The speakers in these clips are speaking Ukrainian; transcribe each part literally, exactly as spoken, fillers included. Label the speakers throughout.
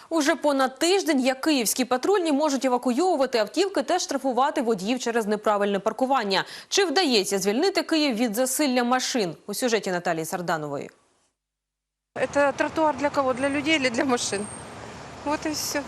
Speaker 1: Уже понад тиждень, як київські патрульні можуть евакуйовувати автівки та штрафувати водіїв через неправильне паркування. Чи вдається звільнити Київ від засилля машин? У сюжеті Наталії Сарданової.
Speaker 2: Это тротуар для кого? Для людей или для машин? Вот и все.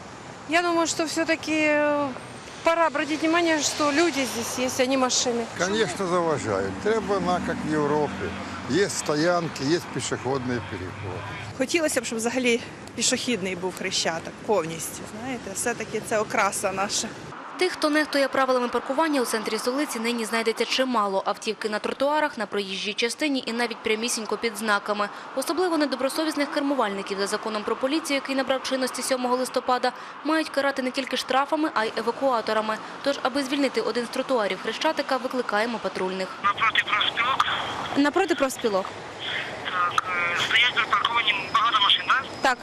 Speaker 2: Я думаю, что все-таки пора обратить внимание, что люди здесь есть, а не машины.
Speaker 3: Конечно, заважають. Треба на, як в Європі. Є стоянки, є пішохідний переход.
Speaker 4: Хотілося б, щоб взагалі пішохідний був Хрещатик повністю. Знаєте, все-таки це окраса наша.
Speaker 5: Тих, хто нехтує правилами паркування у центрі столиці, нині знайдеться чимало. Автівки на тротуарах, на проїжджій частині і навіть прямісінько під знаками. Особливо недобросовісних кермувальників за законом про поліцію, який набрав чинності сьомого листопада, мають карати не тільки штрафами, а й евакуаторами. Тож, аби звільнити один з тротуарів Хрещатика, викликаємо патрульних.
Speaker 6: Напроти профспілок.
Speaker 5: Напроти профспілок?
Speaker 6: Так, стоять припарковані багато машин, так?
Speaker 5: Так.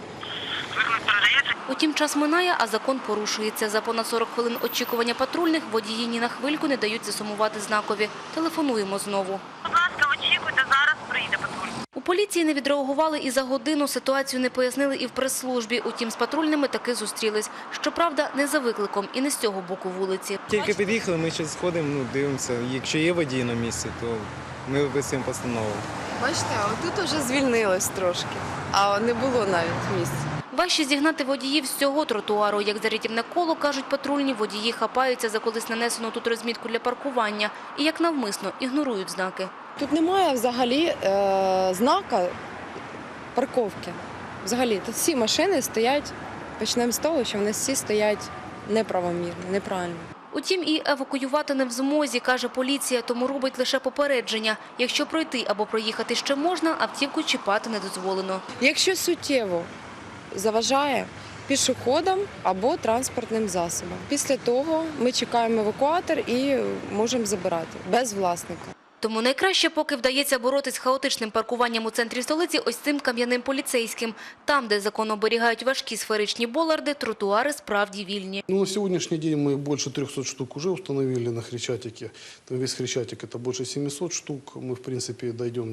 Speaker 6: Виклик передається?
Speaker 5: Утім, час минає, а закон порушується. За понад сорок хвилин очікування патрульних водії ні на хвильку не дають засумувати знакові. Телефонуємо знову.
Speaker 6: Будь ласка, очікуйте, зараз приїде патруль.
Speaker 5: У поліції не відреагували і за годину, ситуацію не пояснили і в прес-службі. Утім, з патрульними таки зустрілись. Щоправда, не за викликом і не з цього боку вулиці.
Speaker 7: Тільки під'їхали, ми зараз сходимо, ну, дивимося. Якщо є водій на місці, то ми виписуємо постанову.
Speaker 2: Бачите, а тут вже звільнилось трошки, а не було навіть місця.
Speaker 5: Важче зігнати водіїв з цього тротуару. Як за рятівне коло, кажуть патрульні, водії хапаються за колись нанесену тут розмітку для паркування і як навмисно ігнорують знаки.
Speaker 2: Тут немає взагалі е, знака парковки. Взагалі, тут всі машини стоять, почнемо з того, що вони всі стоять неправомірно, неправильно.
Speaker 5: Утім, і евакуювати не в змозі, каже поліція, тому робить лише попередження. Якщо пройти або проїхати ще можна, автівку чіпати не дозволено.
Speaker 2: Якщо суттєво заважає пішоходам або транспортним засобам. Після того ми чекаємо евакуатор і можемо забирати без власника.
Speaker 5: Тому найкраще, поки вдається боротись з хаотичним паркуванням у центрі столиці, ось цим кам'яним поліцейським. Там, де закон оберігають важкі сферичні боларди, тротуари справді вільні.
Speaker 8: Ну, на сегодняшний день мы больше трехсот штук уже установили на Хрещатике. Там весь Хрещатик это больше семисот штук. Мы, в принципе, дойдем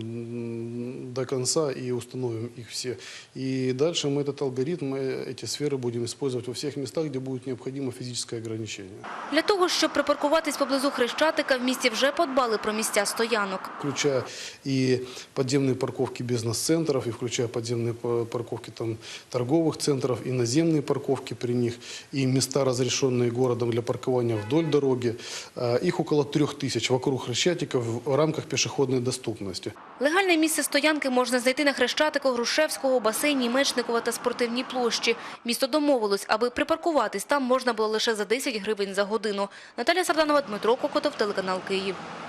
Speaker 8: до конца и установим их все. И дальше мы этот алгоритм, эти сферы будем использовать во всех местах, где будет необходимо физическое ограничение.
Speaker 5: Для того, щоб припаркуватись поблизу Хрещатика, в місті вже подбали про місця стоянок.
Speaker 8: Включая и подземные парковки бизнес-центров, и включая подземные парковки там, торговых центров, и наземные парковки при них, и места, разрешенные городом для паркования вдоль дороги. Их около трех тысяч вокруг Хрещатика в рамках пешеходной доступности.
Speaker 5: Легальне місце стоянки можна знайти на Хрещатику, Грушевського, басейні, Мечникова та спортивній площі. Місто домовилось, аби припаркуватись там можна було лише за десять гривень за годину. Наталія Сарданова, Дмитро Кокотов, телеканал Київ.